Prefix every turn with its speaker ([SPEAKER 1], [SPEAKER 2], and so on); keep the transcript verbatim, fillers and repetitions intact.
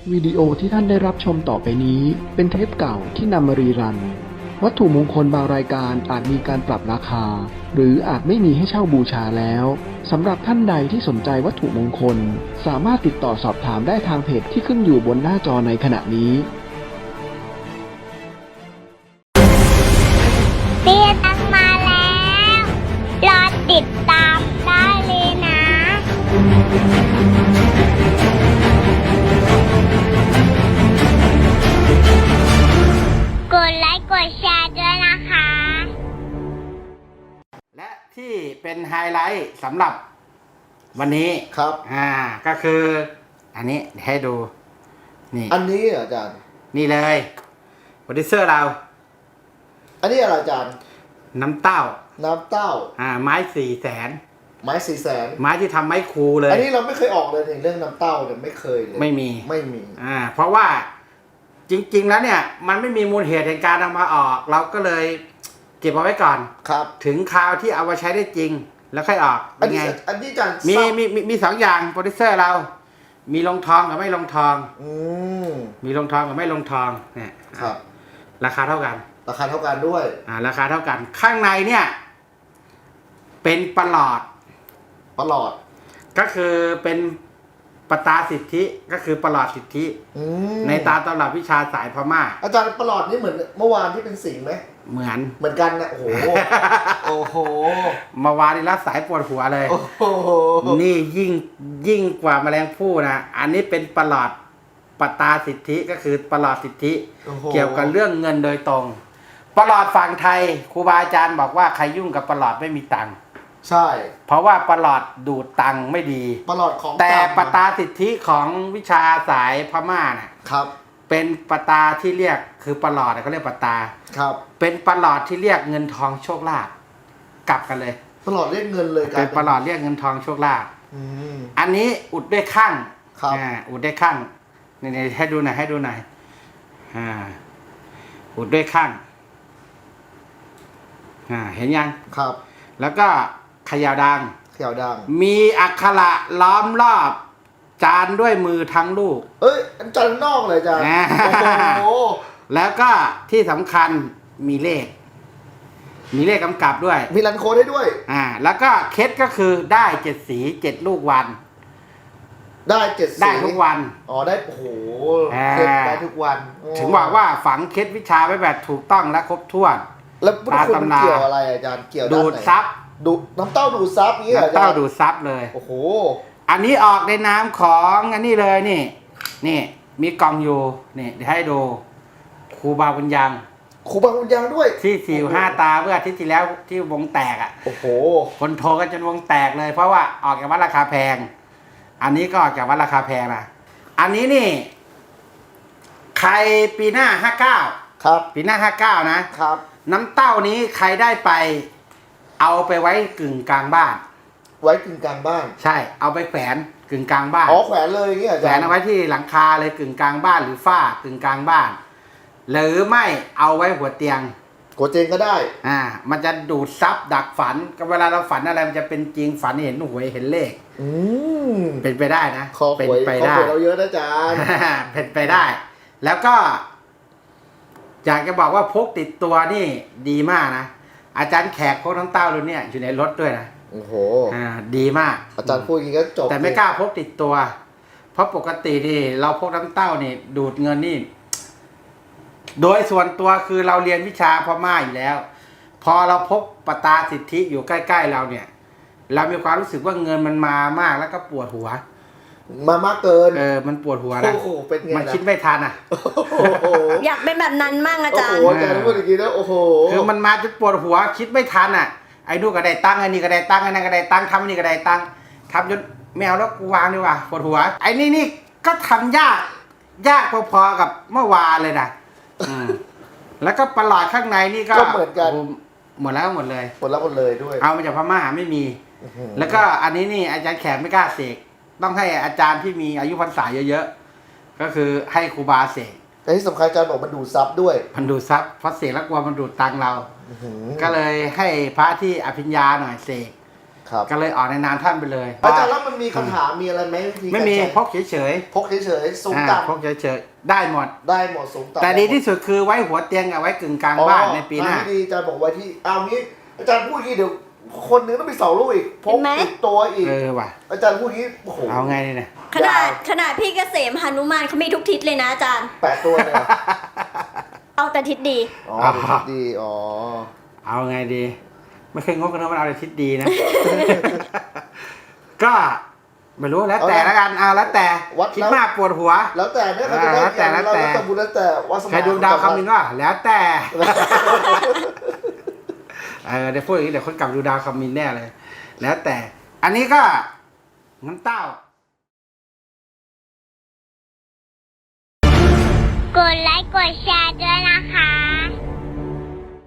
[SPEAKER 1] วิดีโอที่ท่านได้รับชมต่อไปนี้เป็นเทปเก่าที่นำมารีรันวัตถุมงคลบางรายการอาจมีการปรับราคาหรืออาจไม่มีให้เช่าบูชาแล้วสำหรับท่านใดที่สนใจวัตถุมงคลสามารถติดต่อสอบถามได้ทางเพจที่ขึ้นอยู่บนหน้าจอในขณะนี้
[SPEAKER 2] เตี้ยตั้งมาแล้วรอติดตามได้เลยนะกดไลค์กดแชร์ด้วยนะคะ
[SPEAKER 3] และที่เป็นไฮไลท์สำหรับวันนี้
[SPEAKER 4] ครับ
[SPEAKER 3] อ่าก็คืออันนี้ให้ดูนี่
[SPEAKER 4] อันนี้เหรออาจารย์
[SPEAKER 3] นี่เลยโปรดิวเซอร์เรา
[SPEAKER 4] อันนี้อะไรอาจารย์
[SPEAKER 3] น้ำเต้า
[SPEAKER 4] น้ำเต้า
[SPEAKER 3] อ่าไม้สี่แสน
[SPEAKER 4] ไม้สี่แสน
[SPEAKER 3] ไม้ที่ทำไม้คูเลย
[SPEAKER 4] อันนี้เราไม่เคยออกเลยในเรื่องน้ำเต้าเนี่ยไม่เคยเลย
[SPEAKER 3] ไม่มี
[SPEAKER 4] ไม่มี
[SPEAKER 3] อ่าเพราะว่าจริงๆแล้วเนี่ยมันไม่มีมูลเหตุแห่งการนำมาออก เราก็เลยเก็บเอาไว้ก่อน
[SPEAKER 4] ครับ
[SPEAKER 3] ถึงคราวที่เอามาใช้ได้จริง แล้วค่อยออก
[SPEAKER 4] อั
[SPEAKER 3] เป็น น
[SPEAKER 4] นี้
[SPEAKER 3] ไง
[SPEAKER 4] อันนี้อาจารย์
[SPEAKER 3] มี
[SPEAKER 4] ทราบ
[SPEAKER 3] มีมีมีสองอย่างโปรดิวเซอร์เรา มีลงทองกับไม่ลงทอง
[SPEAKER 4] อืม
[SPEAKER 3] มีลงทองกับไม่ลงทองเนี่ย
[SPEAKER 4] ครับ
[SPEAKER 3] ราคาเท่ากัน
[SPEAKER 4] ราคาเท่ากันด้วย
[SPEAKER 3] อ่าราคาเท่ากัน ข้างในเนี่ย เป็นประหลอด
[SPEAKER 4] ประหลอด
[SPEAKER 3] ก็คือเป็นปตาสิทธิก็คือประหลอดสิทธิ
[SPEAKER 4] อืม
[SPEAKER 3] ในตามตำรับวิชาสายพม่า
[SPEAKER 4] อาจารย์ประหลอดนี่เหมือนเมื่อวานที่เป็นสิงห์ไหม
[SPEAKER 3] เหมือน
[SPEAKER 4] เหมือนกันนะโอ้โห โอ้โห
[SPEAKER 3] มาวานี่รับสายปวดหัวเลย
[SPEAKER 4] โอ้โห
[SPEAKER 3] นี่ยิ่งยิ่งกว่าแมลงภู่นะอันนี้เป็นประหลอดปตาสิทธิก็คือประหลอดสิทธิ
[SPEAKER 4] โอ้โห
[SPEAKER 3] เกี่ยวกับเรื่องเงินโดยตรงประหลอดฝั่งไทยครูบาอาจารย์บอกว่าใครยุ่งกับประหลอดไม่มีตังค์
[SPEAKER 4] ใช่
[SPEAKER 3] เพราะว่าประหลอดดูดตังค์ไม่ดี
[SPEAKER 4] ประหลอดของ
[SPEAKER 3] แต่
[SPEAKER 4] เก่
[SPEAKER 3] ปตาสิทธิของวิชาสายพม่าน่ะ
[SPEAKER 4] ครับ
[SPEAKER 3] เป็นปตาที่เรียกคือประหลอดเขาเรียกปตา
[SPEAKER 4] ครับ
[SPEAKER 3] เป็นประหลอดที่เรียกเงินทองโชคลาภกลับกันเลย
[SPEAKER 4] ประหลอดเรียกเงินเลยกลา
[SPEAKER 3] เป็
[SPEAKER 4] ย
[SPEAKER 3] นประหลอดเรียกเงินทองโชคลาภ
[SPEAKER 4] อืม
[SPEAKER 3] อันนี้อุดด้วยข้าง
[SPEAKER 4] ครับ
[SPEAKER 3] อ่าอุดด้วยข้างนี่ๆให้ดูหน่อยให้ดูหน่อยอ่าอุดด้วยข้างอ่าเห็นยัง
[SPEAKER 4] ครับ
[SPEAKER 3] แล้วก็เขย่าดัง
[SPEAKER 4] เขียวดัง
[SPEAKER 3] มีอักขระล้อมรอบ จานด้วยมือทั้งลูก
[SPEAKER 4] เอ้ยอาจารย์นอกเลยอาจารย์
[SPEAKER 3] อ่า
[SPEAKER 4] โอ้โห
[SPEAKER 3] แล้วก็ที่สำคัญมีเลข มีเลขกำกับด้วย
[SPEAKER 4] มีรันโค้ดให้ด้วย
[SPEAKER 3] อ่า แล้วก็เคล็ดก็คือได้เจ็ดสีเจ็ดลูกวัน
[SPEAKER 4] ได้เจ็ดสี
[SPEAKER 3] ได้ทุกวัน
[SPEAKER 4] อ๋อได้โอ้โห
[SPEAKER 3] อ่า
[SPEAKER 4] เก็บได้ทุกวันโอ้
[SPEAKER 3] ถึงบอกว่าฝังเคล็ดวิชาไว้แบบถูกต้องและครบถ้วน
[SPEAKER 4] แล้วพุทธคุณ
[SPEAKER 3] ตามตำรา
[SPEAKER 4] เกี่ยวอะไรอาจารย์เกี่ยวาน
[SPEAKER 3] ดูด
[SPEAKER 4] ไหน
[SPEAKER 3] ซับ
[SPEAKER 4] ดูน้ำเต้าดูดซับอย่างนี้เหรออา
[SPEAKER 3] น้ำ
[SPEAKER 4] จาร
[SPEAKER 3] เต้า
[SPEAKER 4] ย์
[SPEAKER 3] ดูดซับเลย
[SPEAKER 4] โอ้โห
[SPEAKER 3] อันนี้ออกในน้ำของอันนี้เลยนี่ นี่ มีกล่องอยู่นี่เดี๋ยวให้ดูครูบาบุญยัง
[SPEAKER 4] ครูบาบุญยังด้วย
[SPEAKER 3] ที่สี่ห้าตาเมื่ออาทิตย์ที่แล้วที่วงแตกอ่ะ
[SPEAKER 4] โอ้โห
[SPEAKER 3] คนโทรกันจนวงแตกเลย เพราะว่าออกจากวัดราคาแพง อันนี้ก็ออกจากวัดราคาแพงนะอันนี้นี่ ใครปีหน้าห้าเก้า
[SPEAKER 4] ครับ
[SPEAKER 3] ปีหน้าห้าเก้านะครับ น้ำเต้านี้ใครได้ไป เอาไปไว้กึ่งกลางบ้าน
[SPEAKER 4] ไว้กึ่งกลางบ้าน
[SPEAKER 3] ใช่ เอาไปแขวนกึ่งกลางบ้าน
[SPEAKER 4] อ๋อแขวนเลยอย่างนี้อา
[SPEAKER 3] แข
[SPEAKER 4] จา
[SPEAKER 3] ว
[SPEAKER 4] ร
[SPEAKER 3] น
[SPEAKER 4] ย์
[SPEAKER 3] เอาไว้ที่หลังคาเลยกึ่งกลางบ้านหรือฝ้ากึ่งกลางบ้าน หรือไม่เอาไว้หัวเตียง
[SPEAKER 4] โกเจงก็ได้
[SPEAKER 3] อ่า มันจะดูดซับดักฝันก็เวลาเราฝันอะไรมันจะเป็นจริงฝันเห็นหวยเห็นเลข
[SPEAKER 4] อืม
[SPEAKER 3] เป็นไปได้นะ
[SPEAKER 4] คอห
[SPEAKER 3] เป็น
[SPEAKER 4] วย
[SPEAKER 3] ไป
[SPEAKER 4] คอ
[SPEAKER 3] ได้
[SPEAKER 4] หวยเราเยอะนะอาจารย์
[SPEAKER 3] เป็นไปได้ แล้วก็ อยากจะบอกว่าพกติดตัวนี่ดีมากนะ อาจารย์แขกพกน้ำเต้ารุ่นเนี่ยอยู่ในรถด้วยนะ
[SPEAKER 4] โอ้โห
[SPEAKER 3] อ่า ดีมาก
[SPEAKER 4] อาจารย์พูดอย่างนี้ก็จบ
[SPEAKER 3] แต่ไม่กล้าพกติดตัว เพราะปกตินี่เราพกน้ำเต้านี่ ดูดเงินนี่ โดยส่วนตัวคือเราเรียนวิชาพม่าอยู่แล้ว พอเราพกปตาสิทธิอยู่ใกล้ๆเราเนี่ย เรามีความรู้สึกว่าเงินมันมามากแล้วก็ปวดหัว
[SPEAKER 4] มามากเกิน
[SPEAKER 3] เออ มันปวดหัวนะ
[SPEAKER 4] โอ้โหเป็นไง
[SPEAKER 3] มัน
[SPEAKER 4] นะ
[SPEAKER 3] คิดไม่ทันอ่ะ
[SPEAKER 4] โอ้โห
[SPEAKER 5] อยากเป็นแบบนั้นมั่งอา
[SPEAKER 4] โอ้
[SPEAKER 5] จาร
[SPEAKER 4] โห
[SPEAKER 5] ย์
[SPEAKER 4] อาจารย์พูดอย่างนี้นะโอ้โห
[SPEAKER 3] คือมันมาจนปวดหัว คิดไม่ทันอ่ะ ไอ้นู่นก็ได้ตังค์ไอ้นี่ก็ได้ตังค์ไอ้นั่นก็ได้ตังค์ทำไอ้นี่ก็ได้ตังค์ทำจนแมวแล้วกูวางดีกว่าปวดหัว ไอ้นี่นี่ก็ทำยาก ยากพอๆกับเมื่อวานเลยนะอืมแล้วก็ประหลอดข้างในนี่ก็
[SPEAKER 4] ก็เหมือนกัน
[SPEAKER 3] โโหมดแล้วหมดเลย
[SPEAKER 4] ผลลัพธ์หมดเลยด้วย
[SPEAKER 3] เอามาจากพม่าไม่มี
[SPEAKER 4] อื้อหือ
[SPEAKER 3] แล้วก็อันนี้นี่อาจารย์แขกไม่กล้าเสกต้องให้อาจารย์ที่มีอายุพรรษาเยอะๆก็คือให้ครูบาเสก
[SPEAKER 4] แต่ที่สำคัญอาจารย์บอกมันดูดซับด้วย
[SPEAKER 3] มันดูดซับเพราะเสกแล้วกลัวมันดูดตังค์เรา
[SPEAKER 4] อื้อหือ
[SPEAKER 3] ก็เลยให้พระที่อภิญญาหน่อยเสก
[SPEAKER 4] ครับ
[SPEAKER 3] ก็เลยออกในนามท่านไปเลย
[SPEAKER 4] อาจารย์แล้วมันมีคาถามีอะไรไหมวิธี
[SPEAKER 3] ไม่
[SPEAKER 4] การ
[SPEAKER 3] มี
[SPEAKER 4] ใช้
[SPEAKER 3] พกเฉย
[SPEAKER 4] พกเฉยๆสู
[SPEAKER 3] ๆ
[SPEAKER 4] ง
[SPEAKER 3] อ่า
[SPEAKER 4] ต่
[SPEAKER 3] พกเฉยๆได้หมด
[SPEAKER 4] ำได้หมดสูงต่ำ
[SPEAKER 3] แต่ดีที่สุดคือไว้หัวเตียงกับไว้กึ่งกลาง
[SPEAKER 4] อ๋อ
[SPEAKER 3] บ้านในปีหน้า
[SPEAKER 4] ทงที่ดีอาจารย์บอกไว้ที่เอางี้อาจารย์พูดอย่างนี้เดี๋ยวคนหนึงต้องมีสองลูกอีกพ
[SPEAKER 5] เห็
[SPEAKER 4] ก
[SPEAKER 5] นไหม
[SPEAKER 4] ติดตัวอีก
[SPEAKER 3] เออว่ะ
[SPEAKER 4] อาจารย์พูดอย่างนี้โอ้โห
[SPEAKER 3] เอาไงนี่เนี่ย
[SPEAKER 5] ขนาด
[SPEAKER 4] ยาว
[SPEAKER 5] ขนาดพี่เกษมหนุมานเขามีทุกทิศเลยนะอาจารย์
[SPEAKER 4] แปดตัวเลยเหรอ
[SPEAKER 5] เอาแต่ทิศดี
[SPEAKER 4] อ๋อ
[SPEAKER 3] อ๋อ
[SPEAKER 4] เดี๋ยวดีอ๋อ
[SPEAKER 3] เอาไงดี ไม่เคยงกกันนะมันเอาแต่ทิศดีนะ ก็ไม่รู้แล้วแต่ละกันเอาแล้วแต่คิดมากปวดหัว
[SPEAKER 4] แล้วแต่เนี่ยเขาจะได้
[SPEAKER 3] แล้วแต่แล้วแต่
[SPEAKER 4] เราบุญแล้วแต่วาสนา
[SPEAKER 3] ใครดูดาวคำมินว่า แล้วแต่ เออเดี๋ยวพูดอย่างนี้เดี๋ยวคนกลับดูดาวคำมินแน่เลย แล้วแต่ อันนี้ก็น้ำเต้า
[SPEAKER 2] กดไลค์กดแชร์ด้วยนะคะ